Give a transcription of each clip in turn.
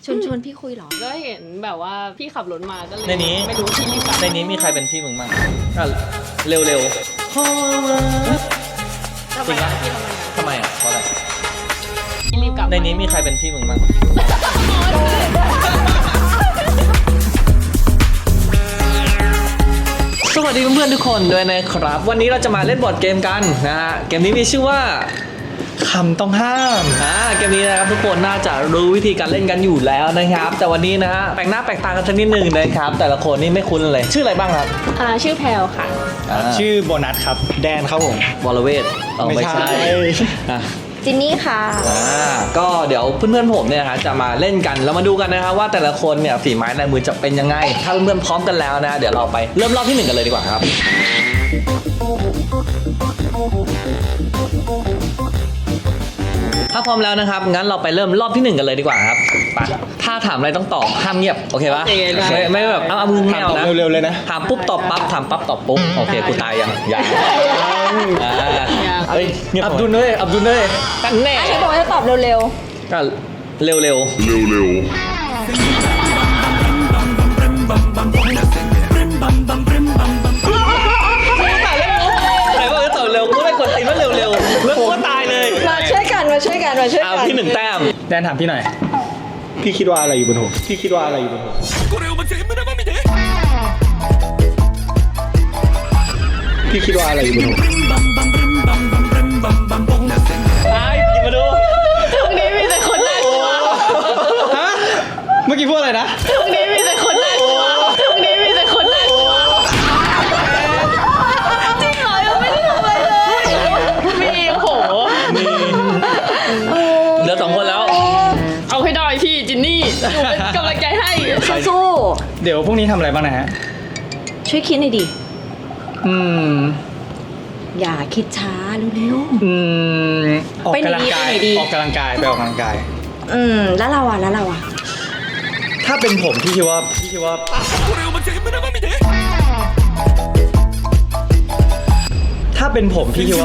ชวนพี่คุยเหรอก็เห็นแบบว่าพี่ขับรถมาก็เลยในนี้ไม่รู้ที่รีบกลับในนี้มีใครเป็นพี่มึงบ้างอ่ะเร็วๆทำไมอ่ะพี่ทำไมอ่ะทำไมอ่ะเพราะอะไรพี่รีบกลับในนี้มีใครเป็นพี่มึงบ้างสวัสดีเพื่อนๆทุกคนด้วยนะครับ วันนี้เราจะมาเล่นบอร์ดเกมกันนะฮะเกมนี้มีชื่อว่าคำต้องห้ามเกมนี้นะครับทุกคนน่าจะรู้วิธีการเล่นกันอยู่แล้วนะครับ แต่วันนี้นะฮะแปลกหน้าแปลกตากันสักนิดนึงนะครับ แต่ละคนนี่ไม่คุ้นเลยชื่ออะไรบ้างครับชื่อแพลวค่ะชื่อโบนัสครับแดนครับผมวรเวทไม่ใช่อ่ะจินนี่ค่ะก็เดี๋ยวเพื่อนๆผมเนี่ยนะจะมาเล่นกันแล้วมาดูกันนะครับว่าแต่ละคนเนี่ยฝีไม้ลายมือจะเป็นยังไงถ้าเพื่อนๆพร้อมกันแล้วนะเดี๋ยวเราไปเริ่มรอบที่1กันเลยดีกว่าครับถ้าพร้อมแล้วนะครับงั้นเราไปเริ่มรอบที่1กันเลยดีกว่าครับไปถ้าถามอะไรต้องตอบห้ามเงียบโอเคปะโอเคได้ไม่แบบเอามือแมวนะเร็วๆเลยนะถามปุ๊บตอบปั๊บถามปั๊บตอบปุ๊บโอเคกูตายยังเฮ้ยเงียบอับดุลเลยกันแน่ฉันบอกว่าจะตอบเร็วก็เร็วใครบอกจะตอบเร็วก็ไม่กดตีนว่าเร็วแล้วก็ตายเลยๆ มาช่วยกันเอาที่1แต้มแดนถามพี่หน่อย พี่คิดว่าอะไรอยู่บนหัวพี่คิดว่าอะไรอยู่บนหัวพี่คิดว่าอะไรอยู่บนหัวหยิบมาดูตรงนี้มีแต่คนน่ากลัวฮะเมื่อกี้พูดอะไรนะตรงนี้มีแต่คนน่ากลัวตรงนี้มีแต่คนน่ากลัวจริงเหรอยังไม่ได้ทำอะไรเลยมีโอ้โหเหลือ2คนแล้วเอาให้ได้พี่จินนี่หนูเป็นกำลังใจให้สู้เดี๋ยวพรุ่งนี้ทำอะไรบ้างนะฮะๆช่วยคิดหน่อยดิ อย่าคิดช้าเร็วออกกำลังกายไปไหนดีออกกำลังกายไปออกกำลังกายๆแล้วเราอ่ะถ้าเป็นผมพี่คิดว่าถ้าเป็นผมพี่คิดว่า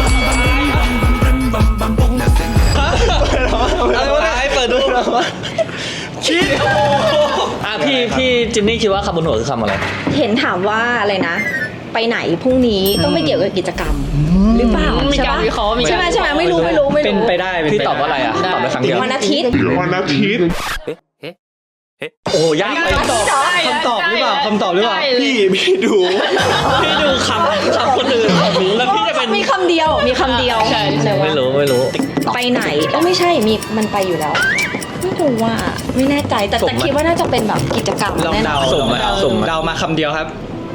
อะไรวะให้เปิดดูคิดพี่จินนี่คิดว่าคำบนหัวคือคำอะไรเห็นถามว่าอะไรนะ ไปไหนพรุ่งนี้ต้องไม่เกี่ยวกับกิจกรรม หรือเปล่ามีการวิเคราะห์มีการใช่ไหมไม่รู้เป็นไปได้เป็นพี่ไปตอบว่าอะไรอ่ะตอบได้ครั้งเดียววันอาทิตย์โอ้ยากไปคำตอบหรือเปล่าคำตอบหรือเปล่าได้เลยพี่ดูพี่ดูคำคนอื่นแล้วพี่จะเป็นมีคำเดียวอะไรวะไม่รู้ไปไหนไม่ใช่มันไปอยู่แล้วไม่รู้ว่าไม่แน่ใจแต่คิดว่าน่าจะเป็นแบบกิจกรรมลองแน่นเดาอนสุ่มเดามาคำเดียวครับ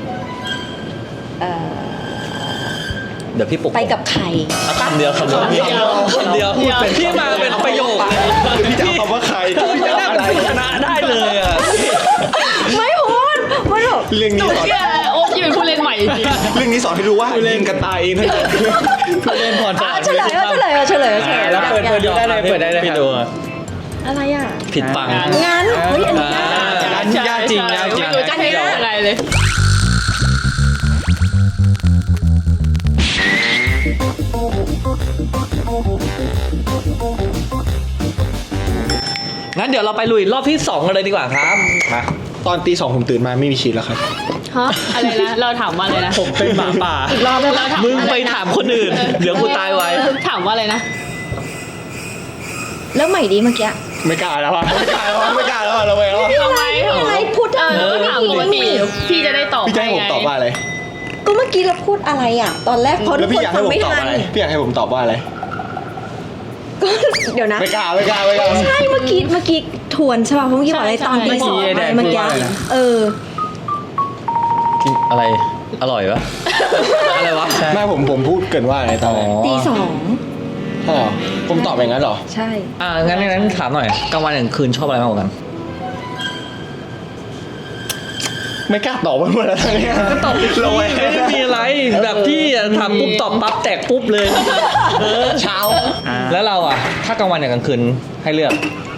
เดี๋ยวพี่ปลุกไปกับใครคำเดียวพี่มาเป็นประโยคเลยพี่จะเอาคำว่าใครพี่จะได้เป็นผู้ชนะได้เลยอ่ะไม่พูดมันแบบเรื่องนี้สอนเชื่อโอ๊ตที่เป็นผู้เล่นใหม่จริงเรื่องนี้สอนให้รู้ว่าเล่นกันตายเองทั้งนั้นผู้เล่นพรสวรรค์เฉลยแล้วเปิดดูได้เลยเปิดได้เลยพี่ดูอะไรอ่ะผิดฟังงานเฮ้ยอันนี้ยากจริงไม่รู้จะให้ร้องอะไรเลยงั้นเดี๋ยวเราไปลุยรอบที่2กันเลยดีกว่าครับมาตอนตี 2ผมตื่นมาไม่มีชีสแล้วครับฮะอะไรนะเราถามว่าอะไรนะผมเป็นหมาป่าอีกรอบได้เราถามมึงไปถามคนอื่น เดี๋ยวกูตายไว้ถามว่าอะไรนะแล้วใหม่ดีเมื่อกี้ไม่กล้าแล้วอ่ะเราไปแล้วทำไมอะไรพูดก็ถามปกติพี่จะได้ตอบพี่จะให้ผมตอบว่าอะไรก็เมื่อกี้เราพูดอะไรอ่ะ ตอนแรกเพราะทุแล้กวคพี่นอยากให้ฟังผมไม่ตอบทันอะไรพี่อยากให้ผมตอบว่าอะไรก็เดี๋ยวนะไม่กล้าใช่เมื่อกี้ทวนใช่ป่ะเพราะเมื่อกี้บอกอะไรตอนตีสองใช่เมื่อกี้พูดว่าอะไรนะกินอะไรอร่อยวะอะไรวะแม่ผมพูดเกินว่าอะไรตอนแรกตีสองอ๋อผมตอบอย่างนั้นเหรอใช่งั้นถามหน่อยกลางวันกลางคืนชอบอะไรมากกว่ากันไม่กล้าตอบว่าอะไรทั้งนี้ตอบเราไว้ไม่ได้มีอะไรแบบพี่ทำปุ๊บตอบปั๊บแตกปุ๊บเลยเช้าแล้วเราอ่ะถ้ากลางวันกับกลางคืนให้เลือก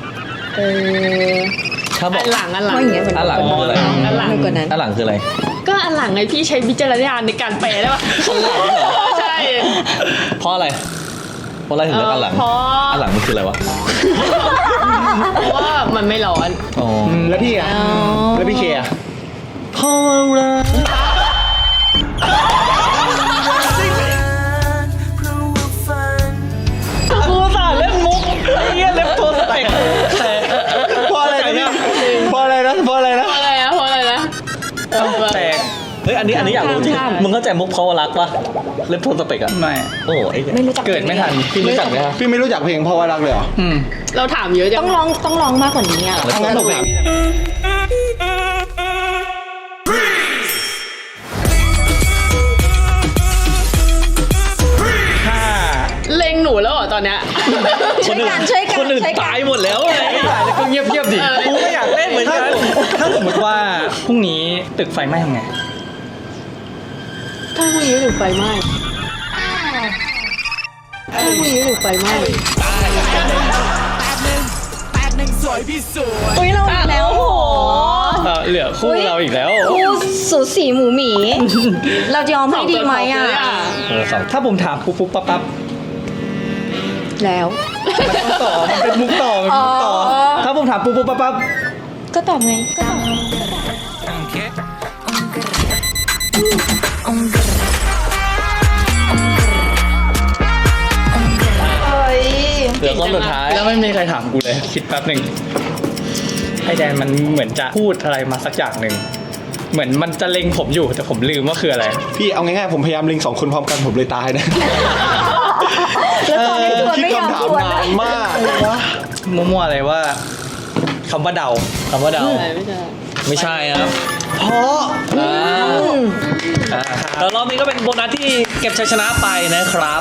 ถ้าบอกอันหลังเพราะอย่างเงี้ยเหมือนอันหลังคืออะไรอันหลังมากกว่านั้นอันหลังคืออะไรก็อันหลังไงพี่ใช้วิจารณญาณในการแปลได้ปะใช่เพราะอะไรราะอะไรถึงเลือกอันหลังเพราะอันหลังมันคืออะไรวะเพราะว่ามันไม่ร้อนอ๋อแล้วพี่อ่ะแล้วพี่เคอ่ะเพราะว่ากูสาเล่นมุกไอ้เหี้ยเล็บโทรสเต็กเพราะอะไรนะเพราะอะไรนะเพราะอะไรนะเพราะอะไรนะเพราะอะไรนะแตกเฮ้ยอันนี้อยากรู้จริงมึงเข้าใจมุกเพราะว่ารักปะเล็บโทรสเต็กอะไม่โอ้ไอ้ไม่รู้จักเกิดไม่ทันพี่รู้จักไหมฮะพี่ไม่รู้จักเพลงเพราะว่ารักเลยเหรอเราถามเยอะจัต้องร้องมากกว่านี้อ่ะแล้วงั้นผมถามถ้าเล็งหนูแล้วเหรอตอนเนี้ยช่วยกันช่วยกันคนอื่นช่วยกันตายหมดแล้วไงไม่ได้แล้วก็เงียบๆดิกูก็อยากเล่นเหมือนกันถ้าสมมติว่าพรุ่งนี้ตึกไฟไหม้ทำไงถ้าพรุ่งนี้ถึงไฟไหม้ถ้าพรุ่งนี้ถึงไฟไหม้อุ้ยเราอีกแล้วโหเหลือคู่เราอีกแล้วคู่สูสีหมูหมี เราจะยอมให้ดีไหมอ่ะถ้าผมถามปุ๊บปุ๊บปั๊บปั๊บแล้วมันต้องต่อ มันเป็นมุกต่อ มันเป็นมุกต่ออ๋อถ้าผมถามปุ๊บปุ๊บปั๊บปั๊บก็ตอบไงก็ตอบเฮ้ยเหลือคนสุดท้ายแล้วไม่มีใครถามกูเลย คิดแป๊บหนึ่งไอแดนมันเหมือนจะพูดอะไรมาสักอย่างหนึ่ง เหมือนมันจะเล็งผมอยู่แต่ผมลืมว่าคืออะไรพี่เอาง่ายๆผมพยายามเล็ง2 คนพร้อมกันผมเลยตายนะแล้วตอนนี้ชวนคิดไม่ยอมคำถาชมวนนานมากมั่วๆอะไรว่าคำว่าเดาคำว่าเดาไม่ใช่ไม่ใช่ครับเพราะแล้วรอบนี้ก็เป็นโบนัสที่เก็บชัยชนะไปนะครับ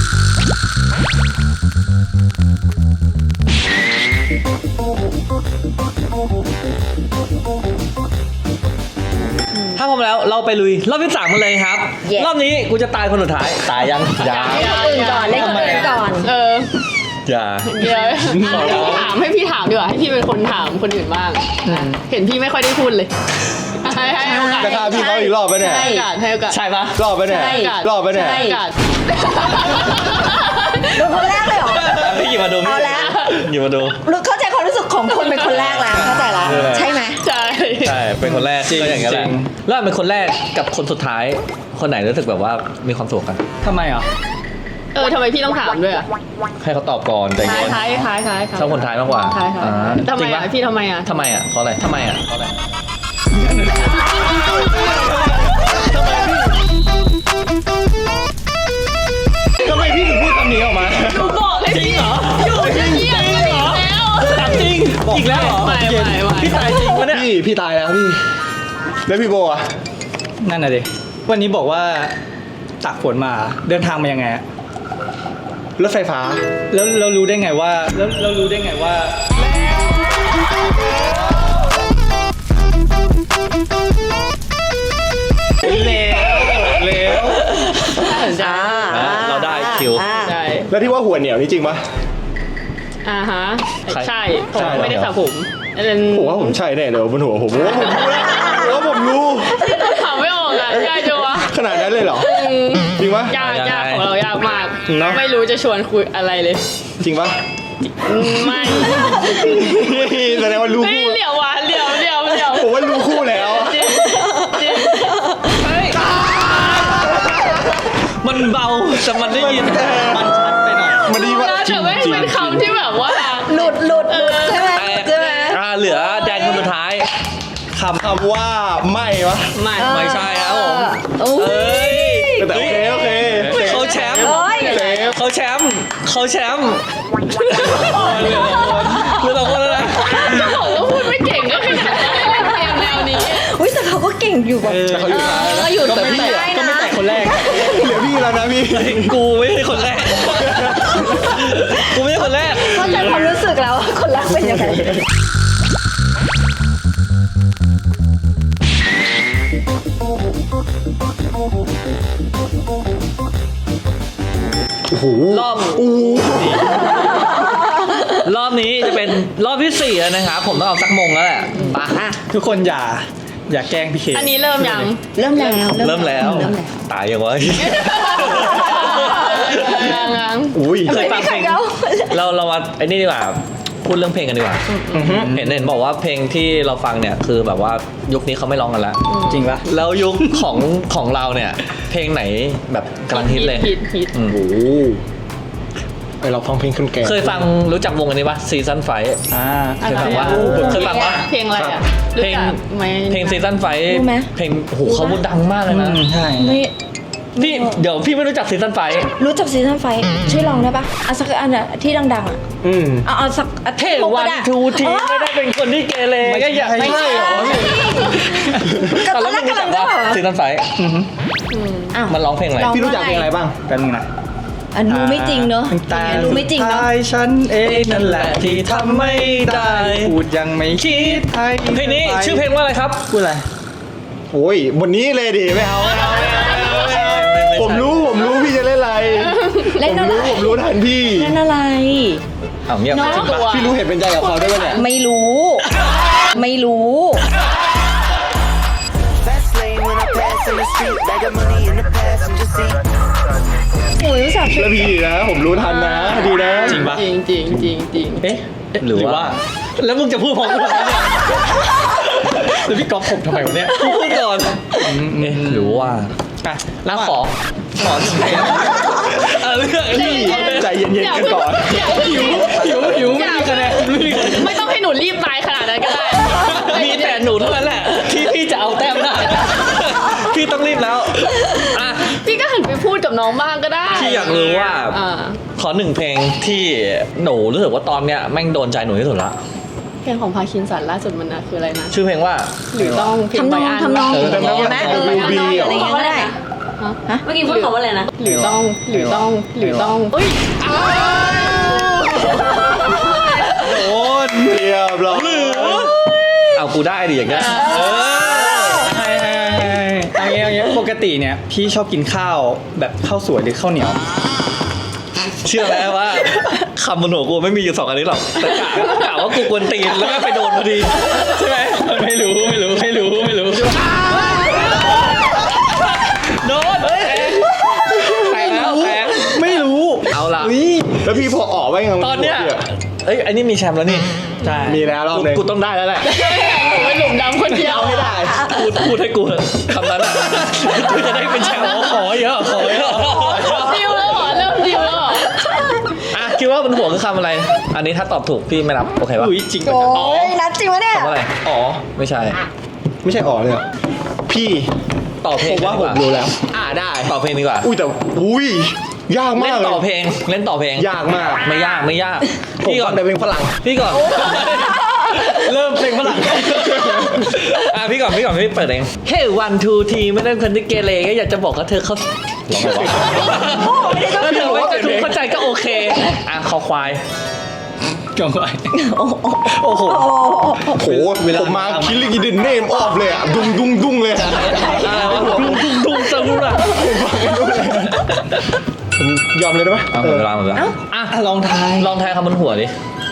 ถ้าพร้อมแล้วเราไปลุยรอบที่ 3กันเลยครับ Yes รอบนี้กูจะตายคนสุดท้าย ตายยังยังเล่นคนอื่นก่อนเล่นคนอื่นก่อนอย่าเดี๋ยวให้พี่ถามดีกว่าให้พี่เป็นคนถามคนอื่นบ้าง เห็นพี่ไม่ค่อยได้พูดเลย ให้โอกาสจะฆ่าพี่เขาอีกรอบไปเนี่ยให้โอกาสให้โอกาสใช่ปะรอบไปเนี่ยใช่รอบไปเนี่ยให้โอกาสดูคนแรกเลยเหรอพี่หยิบมาดูเอาแล้วหยิบมาดูรู้เข้าใจความรู้สึกของคนเป็นคนแรกแล้วเข้าใจแล้ว ใช่ไหมใช่ใช่ เป็นคนแรกจริงก็อย่างนั้นแหละจริงแล้วเป็นคนแรกกับคนสุดท้าย คนไหนรู้สึกแบบว่ามีความสุขกันทำไมอ่ะทำไมพี่ต้องถามด้วยอ่ะให้เขาตอบก่อนใจท้ายเย็นท้ายท้ายชอบคนท้ายมากกว่าท้ายอ่าทำจไมริงปะอ่ะพี่ทำไมอ่ะทำไมอ่ะเพราะอะไรทำไมอ่ะเพราะอะไรทำไมพี่ถึงพูดคำนี้ออกมาหนูบอกให้พี่อยู่เงียบๆกันอีกแล้วถามจริงอีกแล้วเหรอไม่พี่ตายจริงปะเนี่ยพี่ตายแล้วพี่ แล้วพี่โบอ่ะนั่นน่ะดิ วันนี้บอกว่าตากฝนมา เดินทางมายังไงอะรถไฟฟ้าแล้วเรารู้ได้ไงว่า แล้วเรารู้ได้ไงว่าเร็วอ่าเราได้คิวอ่าใช่แล้วที่ว่าหัวเหนียวนี่จริงปะฮะใครใช่ผมใช่ไม่ได้สระผมอันนั้นผมว่าผมใช่แน่เลยบนหัวผมว่าผมรู้แล้วผมว่าผมรู้ถามไม่ออกอ่ะยากจังวะขนาดนั้นเลยเหรอ จริงปะยากของเรายากมากเนอะไม่รู้จะชวนคุยอะไรเลยจริงปะไม่แสดงว่ารู้เฮ้ยคู่เหลียววะเหลียวผมว่ารู้คู่แล้วจริงจริงมันเบาแต่มันได้ยินมันชัดไปหน่อยมันดีว่าแต่ไม่เป็นคำที่แบบว่าหลุดใช่ไหมแตกใช่ไหมเหลือแดนคนสุดท้ายคำว่าไม่วะไม่ไม่ใช่ครับผมโอ้ยเอ้ยแต่โอเคโอเคเขาแชมป์โอ้ยเซฟเขาแชมป์เหลือสองคนแล้วนะจะบอกว่าพูดไม่เก่งก็ขนาดนั้นเกมแนวนี้อุ้ยแต่เขาก็เก่งอยู่แบบแต่เขาอยู่ท้ายก็อยู่ก็แต่ไม่ไม่แตะได้ก็ไม่นะแตะคนแรกเหลือพี่แล้วนะพี่กูไม่ใช่คนแรก กูไม่ใช่คนแรกเข้าใจความรู้สึกแล้วว่าคนรักเป็นยังไงโอ้โหรอบนี้จะเป็นรอบที่ 4 แล้วนะครับ ผมต้องเอาสักมงแล้วแหละไปอ่ะทุกคนอย่าแกล้งพี่เคอันนี้เริ่มยังเริ่มแล้วเริ่มแล้ว ตายยังวะยังอุ้ยเคยฟังเพลงเรามาไอ้นี่ดีกว่าพูดเรื่องเพลงกันดีกว่าเห็นบอกว่าเพลงที่เราฟังเนี่ยคือแบบว่ายุคนี้เขาไม่ร้องกันแล้วจริงปะแล้วยุคของเราเนี่ย เพลงไหนแบบกำลังฮิตเลยฮิตอืมโอ้โหไอเราฟังเพลงคนแก่เคยฟังรู้จักวงอันนี้ปะซีซันไฟ เคยฟังปะเคยฟังปะเพลงอะไรอ่ะเพลงรู้จักไหมเพลงซีซันไฟรู้ไหมเพลงโอ้โหเขาพูดดังมากเลยนะใช่ไม่พี่เดี๋ยวพี่ไม่รู้จักซีซันไฟรู้จักซีซั่นไฟช่วยลองได้ปะเอาสักอันอะที่ดังๆอะอืมเอาสักเท่วันทูทีไม่ได้เป็นคนที่เกเรก็อย่าไม่ใช่เหรอก็ตอนแรกกำลังจะบอกซีซันไฟอ้าวมันร้องเพลงอะไรพี่รู้จักเพลงอะไรบ้างแป๊บนึงนะอันรู้ไม่จริงเนอะแต่รู้ไม่จริงเนอะท้ายฉันเองนั่นแหละที่ทำไม่ได้ พูดยังไม่คิดให้เพลงนี้ชื่อเพลงว่าอะไรครับพูดอะไรโอ้ยวันนี้เลยดิไม่เอาผมรู้พี่จะเล่นอะไรเล่นอะไรผมรู้ทันพี่เล่นอะไรอ้าวเงียบน้องจริงปะพี่รู้เห็นเป็นใจกับเขาด้วยปะเนี่ยไม่รู้ ไม่รู้ Fast lane when I pass in the street. Bag of money in the passenger seat. โอ้ยรู้จักแล้วพี่นะ ผมรู้ทันนะดีนะจริงปะจริงจริงจริงจริงเอ๊ะหรือว่า แล้วมึงจะพูดพร้อมกันเนี่ยแล้วพี่ก๊อฟผมทำไมวะเนี่ยพูดก่อนเอ๊ะหรือว่าอ่ะแล้วขอหนึ่งเพลงเรื่องนี้ใจเย็นๆกันก่อนหิวไม่มีคะแนนไม่มีคะแนนไม่ต้องให้หนูรีบตายขนาดนั้นก็ได้มีแต่หนูเท่านั้นแหละ ที่พี่จะเอาแต้มได้ พี่ต้องรีบแล้วอ่ะพี่ก็หันไปพูดกับน้องบ้างก็ได้พี่อยากรู้ว่าอ่าขอหนึ่งเพลงที่หนูรู้สึกว่าตอนเนี้ยแม่งโดนใจหนูที่สุดละเพลงของพาคินสันล่าสุดมันนะคืออะไรนะชื่อเพลงว่าหรือต้องเพลงทำนองใบอันทำนองเออทำนองไหมเออรูทำบี้นองเหรออะไรอย่างเงี้ยก็ได้ฮะเมื่อกี้พูดคำว่าอะไรนะหรือต้องอุ้ยอ้าวโอ้ยเรียบร้อยเอากูได้ดิอย่างเงี้ยเอางี้ปกติเนี่ยพี่ชอบกินข้าวแบบข้าวสวยหรือข้าวเหนียวเชื่อไหมว่าคำบนหัวกูไม่มีอยู่สองอันนี้หรอกแต่กะว่ากูกวนตีนแล้วก็ไปโดนพอดีใช่ไหมไม่รู้โดนแตกแล้วแตกไม่รู้เอาละแล้วพี่พอออกไว้ไงตอนเนี้ยเอ้ยอันนี้มีแชมป์แล้วนี่ใช่มีแล้วรอบนึงกูต้องได้แล้วแหละผมเป็นหนุ่มดำคนเดียวไม่ได้พูดให้กูเถอะคำนั้นอะกูจะได้เป็นแชมป์ขอเยอะขอเยอะดิวแล้วเหรอเริ่มดิวแล้วเหรออ่ะคิดว่าบนหัวคือคำอะไร อันนี้ถ้าตอบถูกพี่ไม่รับโอเคปะอุ้ยจริงปะโอ้ยนัดจริงวะเนี่ยคำว่าอะไรอ๋อไม่ใช่ไม่ใช่ออกเลยเหรอพี่ต่อเพลผงมว่าผมรู้แล้วได้ต่อเพลงดีกว่าอุ้ยแต่อุ้ยยากเล่มากนเลต่อย เพลงเล่นต่อเพลงยากมากไม่ยากผมพี่ก่ฟัอง นแต่เพลงฝรั่งพี่ก่อนเริ่มเพลงฝรั่งอ่ะพี่ก่อนพี่เปิดเองเฮ้วันทูทีไม่ได้คนที่เกเรก็อยากจะบอกว่าเธอเขาร้องไงวะถ้าเธอไม่จะถูกเข้าใจก็โอเคอ่ะคอควายกองไว้โอ้โหผมมาคิลลิ่งอินเดนเนมออฟเลยอ่ะดุ้งเลยอะอะไรวะดุงจังรู้ล่ะผมยอมเลยได้ไหมหมดเวลาอ่ะลองทายลองทายคำบนหัวดิ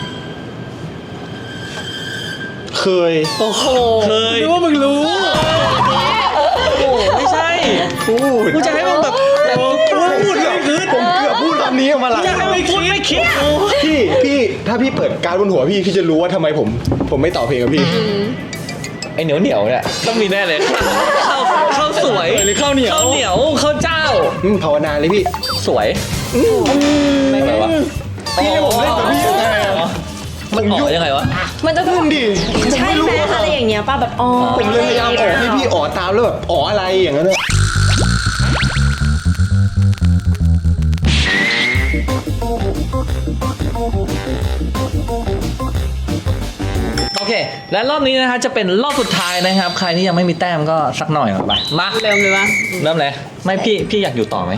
เคยโอ้โหเคยรู้ว่ามึงรู้โอ้ไม่ใช่พูดกูจะให้มึงแบบพูดเลยผมเกือบพูดคำนี้ออกมาหลายจะให้มึงพูดไม่คิดพี่ถ้าพี่เปิดการดบนหัวพี่จะรู้ว่าทำไมผมไม่ต่อเพลงกับพี่ไอเหนียวเนี่ยต้องมีแน่เลยข้าวสวยหรือข้าวเหนียวข้าวเหนียวข้าวเจ้าภาวนาเลยพี่สวยไม่ไงวะพี่ให้ผมเล่นกับพี่ยังไงอะมันออกยังไงวะมันจะนุ่มดิใช่ไหมอะไรอย่างเงี้ยป่ะแบบอ๋อผมเลยพยายามออกให้พี่อ๋อตามแล้วแบบอ๋ออะไรอย่างนั้นอะโอเค และรอบนี้นะฮะจะเป็นรอบสุดท้ายนะครับ ใครที่ยังไม่มีแต้มก็สักหน่อยก่อนไปมาเริ่มเลยปะเริ่มเลยไม่พี่อยากอยู่ต่อไหม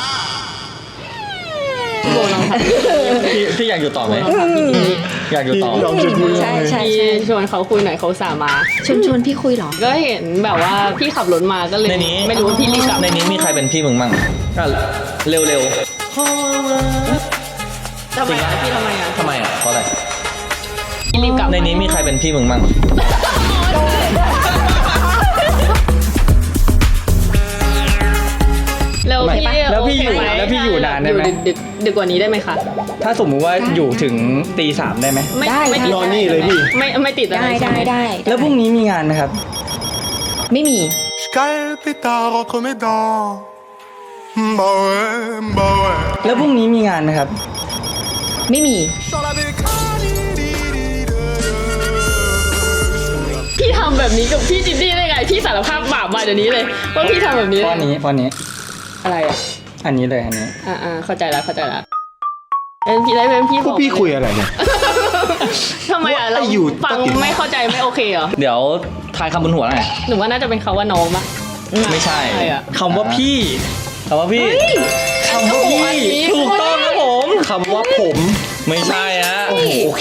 โบลองทำพี่อยากอยู่ต่อไหมอยากอยู่ต่อพี่ลองจุดมือใช่ใช่พี่ใช่ชวนเขาคุยหน่อยเขาสามาชวนพี่คุยเหรอก็เห็นแบบว่าพี่ขับรถมาก็เลยในนี้ไม่รู้ว่าพี่รีบกลับในนี้มีใครเป็นพี่มึงมั่งอ่ะเร็วทำไมอ่ะพี่ทำไมอ่ะทำไมอ่ะเพราะอะไรพี่รีบกลับในนี้มีใครเป็นพี่มึงมั่งเร็วพี่แล้วพี่อยู่โเคไหมแล้วพี่อยู่ไหนานได้ไหมอยู่ดึกกว่านี้ได้ไหมคะถ้าสมมุติว่าอยู่ถึงตีสามได้ไหมไม่ได้ไม่ติดนอนนี่เลยพี่ไม่ติดอะไรได้ใช่ได้ไหมได้แล้วพรุ่งนี้มีงานไหมครับไม่มี Je cale le pétard entre mes dents. Bah ouais, bah ouais. แล้วพรุ่งนี้มีงานไหมครับไม่มี Sur la bécane. พี่ทำแบบนี้กับพี่จินนี่ได้ไง พี่สารภาพบาปมาเดี๋ยวนี้เลยว่าพี่ทำแบบนี้ข้อนี้อะไรอ่ะอันนี้เลยอันนี้เข้าใจละเป็นพี่ได้เป็นพี่พวกพี่คุยอะไรเนี่ยทำไมอ่ะเราว่าอยู่ฟังไม่เข้าใจไม่โอเคเหรอเดี๋ยวทายคำบนหัวหน่อยหนูว่าน่าจะเป็นเขาว่าน้องปะไม่ใช่ใช่อ่ะคำว่าพี่คำว่าพี่คำว่าพี่ถูกต้องครับผมคำว่าผมไม่ใช่ฮะโอเค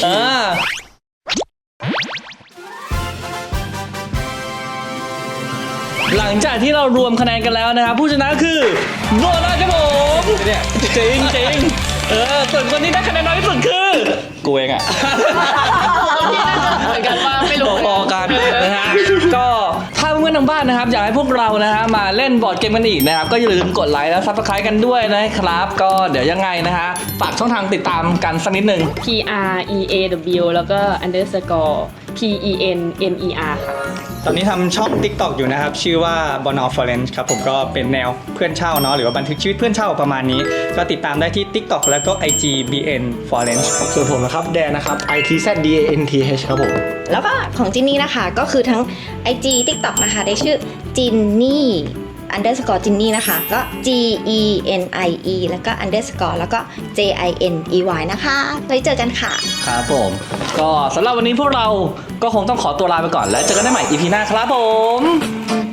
หลังจากที่เรารวมคะแนนกันแล้วนะครับ ผู้ชนะคือโบนัสครับผมเนี่ยจริงส่วนคนที่ได้คะแนนน้อยที่สุดคือกูเองอ่ะเหมือนกันว่าไม่รู้พอๆกันนะฮะก็ถ้าเพื่อนๆทางบ้านนะครับอยากให้พวกเรานะฮะมาเล่นบอร์ดเกมกันอีกนะครับก็อย่าลืมกดไลค์และซับสไครต์กันด้วยนะครับ ก็เดี๋ยวยังไงนะฮะฝากช่องทางติดตามกันสักนิดนึง PREAW แล้วก็ underscore PENNER ค่ะตอนนี้ทำช่อง TikTok อยู่นะครับ ชื่อว่า Bonal Forense ครับผมก็เป็นแนวเพื่อนเช่าเนาะหรือว่าบันทึกชีวิตเพื่อนเช่าประมาณนี้ ก็ติดตามได้ที่ TikTok แล้วก็ IG BN Forense ส่วนผมนะครับแดนนะครับ ITZDANTH ครับผมแล้วก็ของจินนี่นะคะก็คือทั้ง IG TikTok นะคะได้ชื่อจินนี่ underscore จินนี่นะคะก็ GENIE แล้วก็ underscore แล้วก็ JINEY นะคะไว้เจอกันค่ะครับผมก็สำหรับวันนี้พวกเราก็คงต้องขอตัวลาไปก่อนแล้วเจอกันได้ใหม่ EP หน้าครับผม